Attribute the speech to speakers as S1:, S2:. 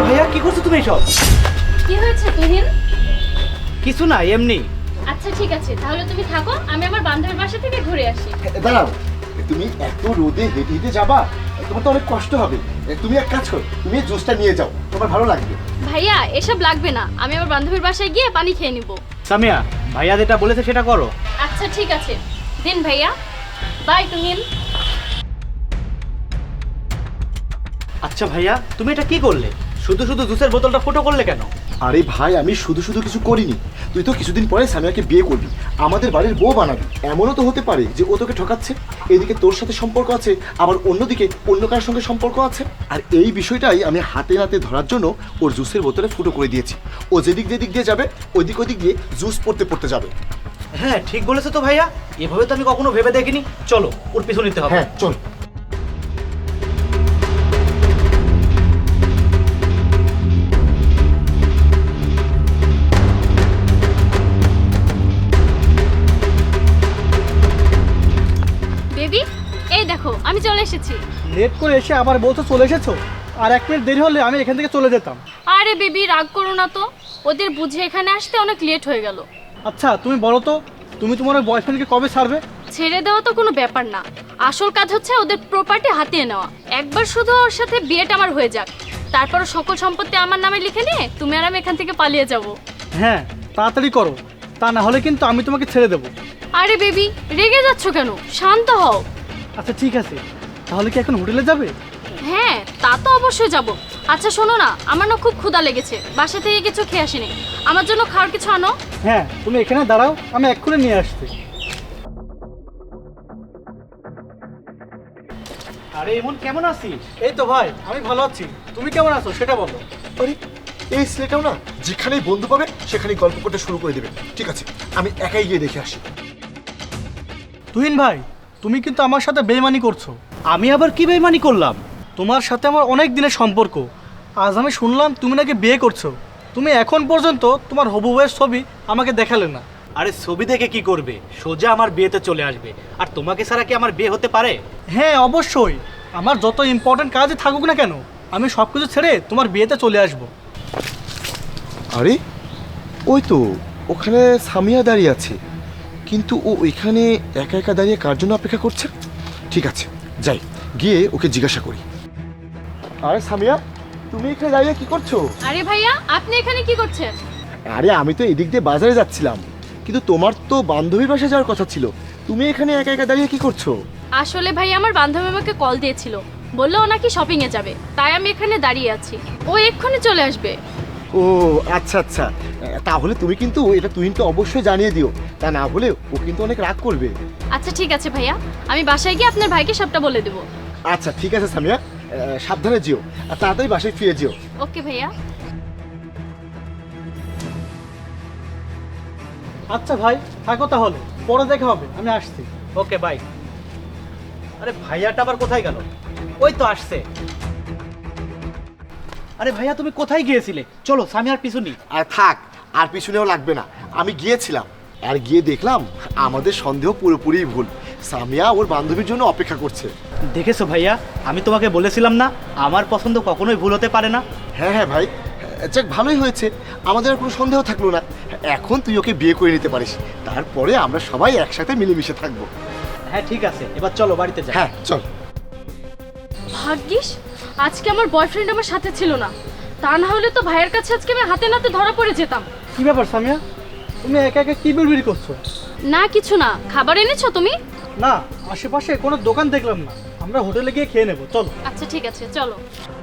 S1: ভাইয়া কি করছো তুমি এসব?
S2: কি হয়েছে তুহিন?
S1: কিছু না, এমনি।
S2: আচ্ছা ঠিক আছে, তাহলে তুমি থাকো, আমি আমার বান্ধবীর বাসা থেকে ঘুরে আসি।
S3: দাঁড়াও, তুমি এত রোদে হেঁটে হেঁটে যাবা, তোমার তো অনেক কষ্ট হবে। তুমি এক কাজ করো, তুমি এই জুসটা নিয়ে যাও, তোমার ভালো লাগবে।
S2: ভাইয়া এসব লাগবে না, আমি আমার বান্ধবীর বাসায় গিয়ে পানি খেয়ে নিব।
S1: সামিয়া, ভাইয়া যেটা বলেছে সেটা করো।
S2: আচ্ছা ঠিক আছে, দিন ভাইয়া। বাই তুহিন।
S1: আচ্ছা ভাইয়া, তুমি এটা কি করলে? শুধু শুধু জুসের বোতলটা ফুটো করলে কেন?
S3: আরে ভাই, আমি শুধু শুধু কিছু করিনি। তুই তো কিছুদিন পরে সামিয়াকে বিয়ে করবি, আমাদের বাড়ির বউ বানাবি। এমনও তো হতে পারে যে ও তোকে ঠকাচ্ছে। এদিকে তোর সাথে সম্পর্ক আছে, আবার অন্যদিকে অন্য কারোর সঙ্গে সম্পর্ক আছে। আর এই বিষয়টাই আমি হাতে নাতে ধরার জন্য ওর জুসের বোতলে ফুটো করে দিয়েছি। ও যেদিক যেদিক দিয়ে যাবে ওই দিক দিয়ে জুস পড়তে পড়তে যাবে।
S1: হ্যাঁ ঠিক বলেছো তো ভাইয়া, এভাবে তো আমি কখনো ভেবে দেখিনি। চলো ওর পিছু নিতে হবে।
S3: হ্যাঁ চল।
S2: বেবি, এই দেখো আমি চলে এসেছি।
S4: লেট করে এসে আবার বলছো চলে এসেছো? আর 1 মিনিট দেরি হলে আমি এখান থেকে চলে যেতাম।
S2: আরে বেবি রাগ করো না তো, ওদের বুঝে এখানে আসতে অনেক লেট হয়ে গেল।
S4: আচ্ছা তুমি বলো তো, তুমি তোমার বয়ফ্রেন্ডকে কবে ছাড়বে?
S2: ছেড়ে দেওয়া তো কোনো ব্যাপার না, আসল কাজ হচ্ছে ওদের প্রপার্টি হাতিয়ে নেওয়া। একবার শুধু ওর সাথে বিয়েটা আমার হয়ে যাক, তারপর সকল সম্পত্তি আমার নামে লিখে নিয়ে তুমি আর আমি এখান থেকে পালিয়ে যাব।
S4: হ্যাঁ তাড়াতাড়ি করো, তা না হলে কিন্তু আমি তোমাকে ছেড়ে দেবো।
S2: আরে বেবি রেগে যাচ্ছ কেন, শান্ত হও।
S4: আচ্ছা ঠিক আছে, তাহলে কি এখন হোটেলে যাবে?
S2: হ্যাঁ তা তো অবশ্যই যাব। আচ্ছা শোনো না, আমার না খুব ক্ষুধা লেগেছে, বাসা থেকে কিছু খেয়ে আসিনি, আমার জন্য খাওয়ার কিছু আনো।
S4: হ্যাঁ তুমি এখানে দাঁড়াও, আমি এক্ষুনি নিয়ে আসছি।
S1: আরে এমন কেমন আছিস?
S4: এই তো ভাই, আমি ভালো আছি। তুমি কেমন আছো সেটা বলো।
S3: আরে এই ছেলেটাও না যেখানেই বন্ধু পাবে সেখানেই গল্প করতে শুরু করে দেবে। ঠিক আছে, আমি একাই গিয়ে দেখে আসি।
S4: তুহিন ভাই, তুমি কিন্তু আমার সাথে বেইমানি করছো।
S1: আমি আবার কি বেইমানি করলাম?
S4: তোমার সাথে আমার অনেক দিনের সম্পর্ক, আজ আমি শুনলাম তুমি নাকি বিয়ে করছো। তুমি এখন পর্যন্ত তোমার হবু বউয়ের ছবি আমাকে দেখালে না।
S1: আরে ছবি দেখে কি করবে, সোজা আমার বিয়েতে চলে আসবে। আর তোমাকে ছাড়া কি আমার বিয়ে হতে পারে?
S4: হ্যাঁ অবশ্যই, আমার যত ইম্পর্টেন্ট কাজে থাকুক না কেন, আমি সব কিছু ছেড়ে তোমার বিয়েতে চলে আসব।
S3: আরে ওই তো ওখানে সামিয়া দাঁড়িয়ে আছে, কিন্তু ও ওইখানে একা একা দাঁড়িয়ে কার জন্য অপেক্ষা করছে? ঠিক আছে, যাই গিয়ে ওকে জিজ্ঞাসা করি। আরে সামিয়া, তুমি এখানে দাঁড়িয়ে কি করছো?
S2: আরে ভাইয়া আপনি এখানে কি করছেন?
S3: আরে আমি তো এদিক দিয়ে বাজারে যাচ্ছিলাম, কিন্তু তোমার তো বান্ধবীর বাসায় যাওয়ার কথা ছিল, তুমি এখানে একা একা দাঁড়িয়ে কি করছো?
S2: আসলে ভাই আমার বান্ধবী আমাকে কল দিয়েছিল, বললো ও নাকি শপিং এ যাবে, তাই আমি এখানে দাঁড়িয়ে আছি, ও এক্ষুনি চলে আসবে।
S3: ও আচ্ছা আচ্ছা, তাহলে তুমি কিন্তু এটা তুহিনকে অবশ্যই জানিয়ে দিও, তা না হলে ও কিন্তু অনেক রাগ করবে।
S2: আচ্ছা ঠিক আছে ভাইয়া, আমি বাসায় গিয়ে আপনার ভাইকে সবটা বলে দেবো।
S3: আচ্ছা ঠিক আছে সামিয়া, সাবধানে যেও আর তাড়াতাড়ি বাসায় ফিরে যেও।
S2: ওকে ভাইয়া।
S4: আচ্ছা ভাই থাকো তাহলে, পরে দেখা হবে, আমি আসছি।
S1: Okay bye. আরে ভাইয়াটা আবার কোথায় গেল? ওই তো আসছে। আরে ভাইয়া তুমি কোথায় গিয়েছিলে? চলো সামিয়ার পিছু নি।
S3: আর থাক, আর পিছনেও লাগবে না, আমি গিয়েছিলাম আর গিয়ে দেখলাম আমাদের সন্দেহ পুরোপুরি ভুল। সামিয়া ওর বান্ধবীর জন্য অপেক্ষা করছে।
S1: দেখেছো ভাইয়া, আমি তোমাকে বলেছিলাম না আমার পছন্দ কখনোই ভুল হতে পারে না।
S3: হ্যাঁ হ্যাঁ ভাই, যাক ভালোই হয়েছে, আমাদের আর কোনো সন্দেহ থাকলো না। এখন তুই ওকে বিয়ে করে নিতে পারিস, তারপরে আমরা সবাই একসাথে মিলেমিশে থাকবো।
S1: হ্যাঁ ঠিক আছে, এবার চলো বাড়িতে যাই।
S3: হ্যাঁ চল।
S2: ভাগ্যিস আজকে আমার বয়ফ্রেন্ড আমার সাথে ছিল না, তা না হলে তো ভাইয়ের কাছে আজকে আমি হাতে নাতে ধরা পড়ে যেতাম।
S4: কি ব্যাপার সামিয়া, তুমি একা একা কি বিড়বিড় করছো?
S2: না কিছু না, খাবার এনেছো তুমি?
S4: না, আশেপাশে কোনো দোকান দেখলাম না, আমরা হোটেলে গিয়ে খেয়ে নেবো, চলো।
S2: আচ্ছা ঠিক আছে চলো।